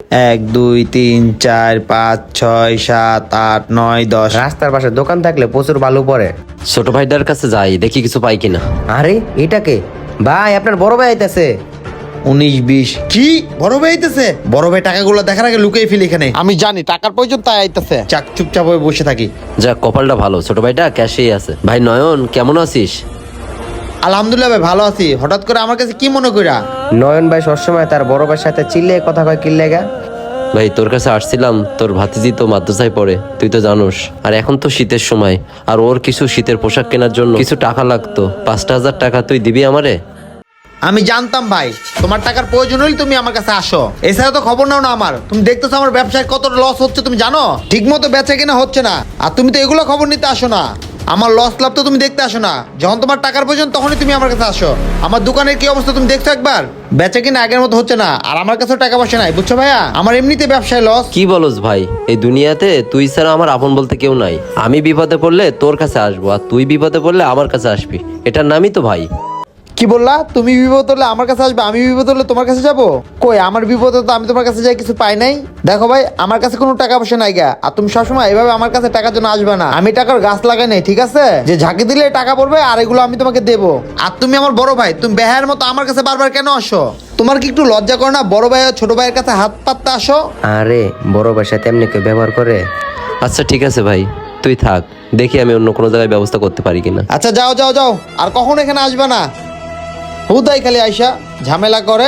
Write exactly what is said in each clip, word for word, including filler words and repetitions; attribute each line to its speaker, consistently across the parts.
Speaker 1: এক দুই তিন চার পাঁচ ছয় সাত আট নয় দশ।
Speaker 2: রাস্তার পাশে দোকান থাকলে প্রচুর বালু পড়ে।
Speaker 3: ছোট ভাইটার কাছে যাই, দেখি কিছু পাই কিনা।
Speaker 2: আরে এটাকে ভাই, আপনার বড় ভাই আইতাছে।
Speaker 1: উনিশ বিশ। কি বড় ভাই আইতেছে? বড় ভাই টাকাগুলো দেখার আগে লুকিয়ে ফেলি এখানে। আমি জানি টাকার প্রয়োজন, তাই আইতেছে। চাক চুপচাপ হয়ে বসে থাকি।
Speaker 3: যাক, কপালটা ভালো, ছোট ভাইটা ক্যাশেই আছে। ভাই নয়ন, কেমন আছিস?
Speaker 1: আলহামদুলিল্লাহ ভাই, ভালো আছি। হঠাৎ করে আমার কাছে কি মনে কইরা?
Speaker 2: নয়ন ভাই সবসময় তার বড় ভাইয়ের সাথে চিল্লে কথা কয় কি লেগা?
Speaker 3: ভাই তোর কাছে আসছিলাম, তোর ভাতিজি তো মাদ্রাসায় পড়ে, তুই তো জানোস। আর এখন তো শীতের সময়, আর ওর কিছু শীতের পোশাক কেনার জন্য কিছু টাকা লাগতো। পাঁচটা হাজার টাকা তুই দিবি আমারে?
Speaker 1: আমি জানতাম ভাই তোমার টাকার প্রয়োজন হলে তুমি আমার কাছে আসো, এছাড়া তো খবর নাও না আমার। তুমি দেখতেছো আমার ব্যবসায় কত লস হচ্ছে, তুমি জানো? ঠিক মতো বেচা কেনা হচ্ছে না, আর তুমি তো এগুলো খবর নিতে আসো না। আমার লস লাভ তো তুমি দেখতে আসো না। যখন তোমার টাকার প্রয়োজন তখনই তুমি আমার কাছে আসো। আমার দোকানের কি অবস্থা তুমি দেখছো একবার? বেচা কিনা আগের মতো হচ্ছে না, আর আমার কাছেও টাকা পয়সা নাই, বুঝছো ভাইয়া? আমার এমনিতে ব্যবসায় লস।
Speaker 3: কি বলস ভাই, এই দুনিয়াতে তুই ছাড়া আমার আপন বলতে কেউ নাই। আমি বিপদে পড়লে তোর কাছে আসবো, আর তুই বিপদে পড়লে আমার কাছে আসবি, এটার নামই তো ভাই।
Speaker 1: কি বললা? তুমি বিপদ হলে আমার কাছে আসবে, আমি বিপদ হলে তোমার কাছে যাবো? কই, আমার বিপদে তো আমি তোমার কাছে যাই কিছু পাই নাই। দেখো ভাই, আমার কাছে কোনো টাকা পয়সা নাই গা, আর তুমি সবসময় এভাবে আমার কাছে টাকার জন্য আসবে না। আমি টাকার গাছ লাগাই নাই, ঠিক আছে? যে ঝাঁকি দিলে টাকা পড়বে আর এগুলো আমি তোমাকে দেবো। আর তুমি আমার বড় ভাই, তুমি বেহায়ের মতো আমার কাছে বারবার কেন আসো? তোমার কি একটু লজ্জা করে না বড় ভাই আর ছোট ভাইয়ের কাছে হাত পাততে আসো?
Speaker 2: আরে বড় ভাইয়ের সাথে এমনি কেউ ব্যবহার করে?
Speaker 3: আচ্ছা ঠিক আছে ভাই, তুই থাক, দেখি আমি অন্য কোনো জায়গায় ব্যবস্থা করতে পারি কিনা।
Speaker 1: আচ্ছা যাও যাও যাও, আর কখনো এখানে আসবে না। হুদাই খালি আইসা ঝামেলা করে।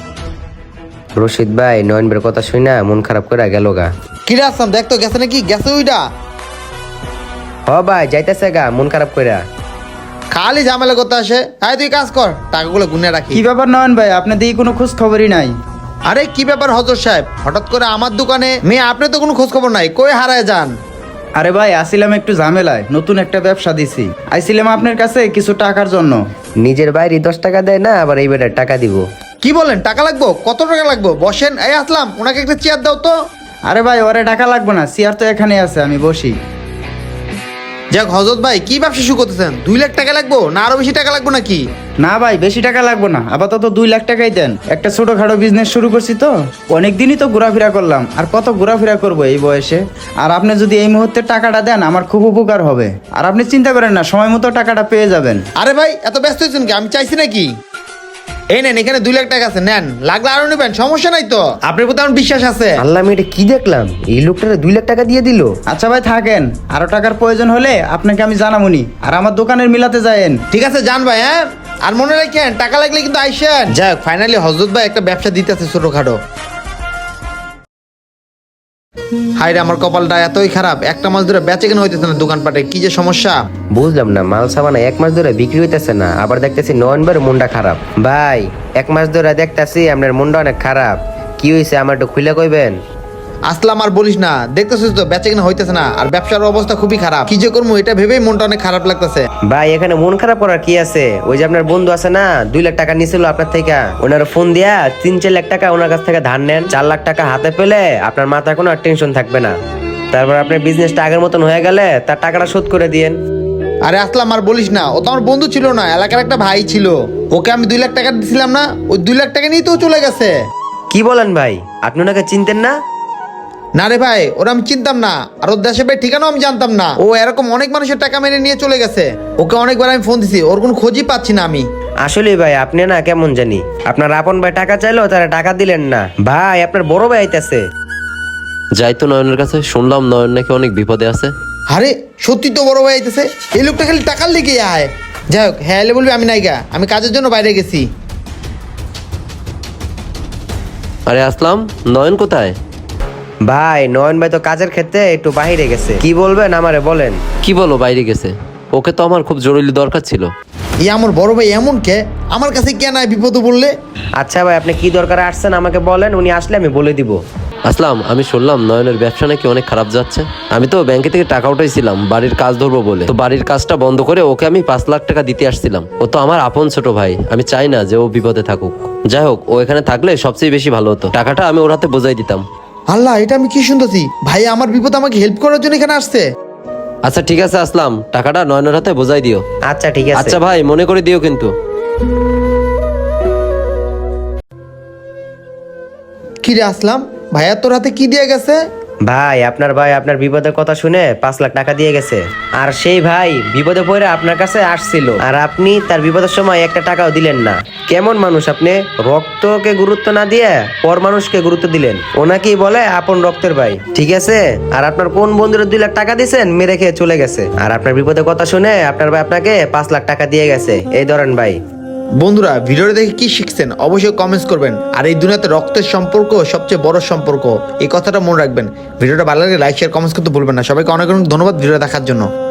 Speaker 2: রশিদ ভাই নয়ন ভাইয়ের কথা শুই না মন খারাপ করে গেল গা।
Speaker 1: কিরে আসলাম, দেখতো গেছে নাকি? গেছে ওইটা?
Speaker 2: হ ভাই যাইতেছে গা মন খারাপ করে।
Speaker 1: খালি ঝামেলা করতে আসে। আয় তুই কাজ কর, টাকাগুলো গুনে রাখি।
Speaker 4: কি ব্যাপার নয়ন ভাই, আপনার দিকে কোনো খোঁজ খবরই নাই?
Speaker 1: আরে কি ব্যাপার হজর সাহেব, হঠাৎ করে আমার দোকানে? মেয়ে আপনি তো কোনো খোঁজ খবর নাই, কই হারায় যান?
Speaker 4: আরে ভাই আসিলাম একটু ঝামেলায়, নতুন একটা ব্যবসা দিছি, আইছিলাম আপনার কাছে কিছু টাকার জন্য।
Speaker 2: নিজের বাইরে দশ টাকা দেয় না, আবার এই বেটার টাকা দিব।
Speaker 1: কি বলেন? টাকা লাগবো? কত টাকা লাগবো? বসেন। এই আসলাম, ওনাকে একটা চেয়ার দাও তো।
Speaker 4: আরে ভাই ওরে টাকা লাগবে না, চেয়ার তো এখানে আছে, আমি বসি।
Speaker 1: যাক হজরত ভাই, কি ব্যবসা শুরু করতেছেন? দুই লাখ টাকা লাগবো না আরো বেশি টাকা লাগবো নাকি?
Speaker 4: না ভাই বেশি টাকা লাগবে না, আপাতত দুই লাখ টাকাই দেন। একটা ছোটখাটো বিজনেস শুরু করছি তো, অনেকদিনই তো ঘোরাফেরা করলাম, আর কত ঘোরাফেরা করবো এই বয়সে। আর আপনি যদি এই মুহূর্তে টাকাটা দেন আমার খুব উপকার হবে। আর আপনি চিন্তা করেন না, সময় মতো টাকাটা পেয়ে যাবেন।
Speaker 1: আরে ভাই এত ব্যস্ত হয়েছেন কি? আমি চাইছি নাকি? এই নেন, এখানে দুই লাখ টাকা আছে, নেন। লাগলে আরো নেবেন, সমস্যা নাই তো। আপনার প্রতি আমার বিশ্বাস আছে।
Speaker 2: আল্লাহ, আমি এটা কি দেখলাম? এই লোকটারে দুই লাখ টাকা দিয়ে দিল।
Speaker 4: আচ্ছা ভাই থাকেন, আরো টাকার প্রয়োজন হলে আপনাকে আমি জানামুনি, আর আমার দোকানের মিলাতে যায়েন।
Speaker 1: ঠিক আছে যান ভাই, হ্যাঁ? আর মনে রাখেন টাকা লাগলে কিন্তু আইসেন। যাক ফাইনালি হজরত ভাই একটা ব্যবসা দিতেছে ছোটখাটো। হাই রে, আমার কপালটা এতই খারাপ, একটা মাস ধরে বেচে কেন হইতেছে না দোকানপাটে, কি যে সমস্যা।
Speaker 2: বুঝলাম না, মাল সাবানা এক মাস ধরে বিক্রি হইতেছে না, আবার দেখতেছি নয়ন ভাইয়ের মনটা খারাপ। ভাই এক মাস ধরে দেখতেছি আপনার মনটা অনেক খারাপ, কি হয়েছে আমার একটু খুলে কইবেন?
Speaker 1: আসলাম আর বলিস না, দেখতেছিস তো বেচে কেন হইতেছে না, আর ব্যবসার অবস্থা খুবই খারাপ। কি যে করবো এটা ভেবেই মনটা অনেক খারাপ লাগতেছে।
Speaker 2: ভাই এখানে মন খারাপ করার কি আছে? ওই যে আপনার বন্ধু আছে না, দুই লাখ টাকা নিছিল আপনার থেকে, ওনার ফোন দিয়া তিন চার লাখ টাকা ওনার কাছ থেকে ধার নেন। চার লাখ টাকা হাতে পেলে আপনার মাথায় কোনো আর টেনশন থাকবে না। তারপর আপনার বিজনেসটা আগের মতন হয়ে গেলে তার টাকাটা শোধ করে দিয়েন।
Speaker 1: আরে আসলাম আর বলিস না, ও তো আমার বন্ধু ছিল না, এলাকার একটা ভাই ছিল। ওকে আমি দুই লাখ টাকা দিছিলাম না, ওই দুই লাখ টাকা নিয়ে তো ও চলে গেছে।
Speaker 2: কি বলেন ভাই, আপনি ওনাকে চিনতেন না?
Speaker 1: না রে ভাই, ওরা আমি চিনতাম না, আর ওর দেশে ভাই ঠিকানাও আমি জানতাম না। ও এরকম অনেক মানুষের টাকা মেরে নিয়ে চলে গেছে। ওকে অনেকবার আমি ফোন দিছি, ওর কোনো খোঁজই পাচ্ছি না আমি।
Speaker 2: আসলে ভাই আপনি না কেমন জানি, আপনার আপন ভাই টাকা চাইলো তারা টাকা দিলেন না। ভাই আপনার বড় ভাই আইতাছে।
Speaker 3: যাই তো নয়নের কাছে, শুনলাম নয়ন নাকি অনেক বিপদে আছে।
Speaker 1: আরে সত্যি তো বড় ভাই আইতেছে। এই লোকটা খালি টাকার লেগে আয়। যাই হোক, হ্যাঁ এলে বলবি আমি নাই গা, আমি কাজের জন্য বাইরে গেছি।
Speaker 3: আরে আসলাম, নয়ন কোথায়?
Speaker 2: ভাই নয়ন ভাই তো কাজের ক্ষেত্রে একটু বাহিরে গেছে। কি বলবেন আমারে বলেন?
Speaker 3: কি বলো বাইরে গেছে? ওকে তো আমার খুব জরুরি দরকার ছিল।
Speaker 1: ই আমার বড় ভাই এমন কে? আমার কাছে কে নাই বিপদে বললে?
Speaker 2: আচ্ছা ভাই আপনি কি দরকারে আসছেন আমাকে বলেন, উনি আসলে আমি বলে দিব।
Speaker 3: আসলাম, আমি শুনলাম নয়নের ব্যবসা নাকি অনেক খারাপ যাচ্ছে। আমি তো ব্যাংকে থেকে টাকা উঠাইছিলাম বাড়ির কাজ ধরবো বলে, তো বাড়ির কাজটা বন্ধ করে ওকে আমি পাঁচ লাখ টাকা দিতে আসছিলাম। ও তো আমার আপন ছোট ভাই, আমি চাই না যে ও বিপদে থাকুক। যাই হোক, ও এখানে থাকলে সবচেয়ে বেশি ভালো হতো, টাকাটা আমি ওর হাতে বোঝাই দিতাম।
Speaker 1: আল্লাহ, এটা আমি কি শুনতেছি? ভাই আমার বিপদ আমাকে হেল্প করার জন্য এখানে আসছে।
Speaker 3: আচ্ছা ঠিক আছে আসলাম, টাকাটা নয়নের হাতে বোঝাই দিও।
Speaker 2: আচ্ছা ঠিক আছে।
Speaker 3: আচ্ছা ভাই, মনে করে দিও কিন্তু।
Speaker 1: কি রে আসলাম, ভাইয়া তোর হাতে কি দিয়ে গেছে?
Speaker 2: ভাই আপনার ভাই আপনার বিপদের কথা শুনে পাঁচ লাখ টাকা দিয়ে গেছে। আর সেই ভাই বিপদে পড়ে আপনার কাছে আসছিল, আর আপনি তার বিপদের সময় একটা টাকাও দিলেন না। কেমন মানুষ আপনি? রক্তকে গুরুত্ব না দিয়ে পর মানুষকে গুরুত্ব দিলেন। ওনাকেই বলে আপন রক্তের ভাই, ঠিক আছে? আর আপনার কোন বন্ধুরা দুই লাখ টাকা দিয়েছেন, মেরে খেয়ে চলে গেছে। আর আপনার বিপদের কথা শুনে আপনার ভাই আপনাকে পাঁচ লাখ টাকা দিয়ে গেছে। এই ধরেন ভাই।
Speaker 1: বন্ধুরা, ভিডিওটা দেখে কি শিখছেন অবশ্যই কমেন্টস করবেন। আর এই দুনিয়াতে রক্তের সম্পর্ক সবচেয়ে বড় সম্পর্ক, এই কথাটা মনে রাখবেন। ভিডিওটা ভালো লাগলে লাইক শেয়ার কমেন্টস করতে ভুলবেন না। সবাইকে অনেক অনেক ধন্যবাদ ভিডিও দেখার জন্য।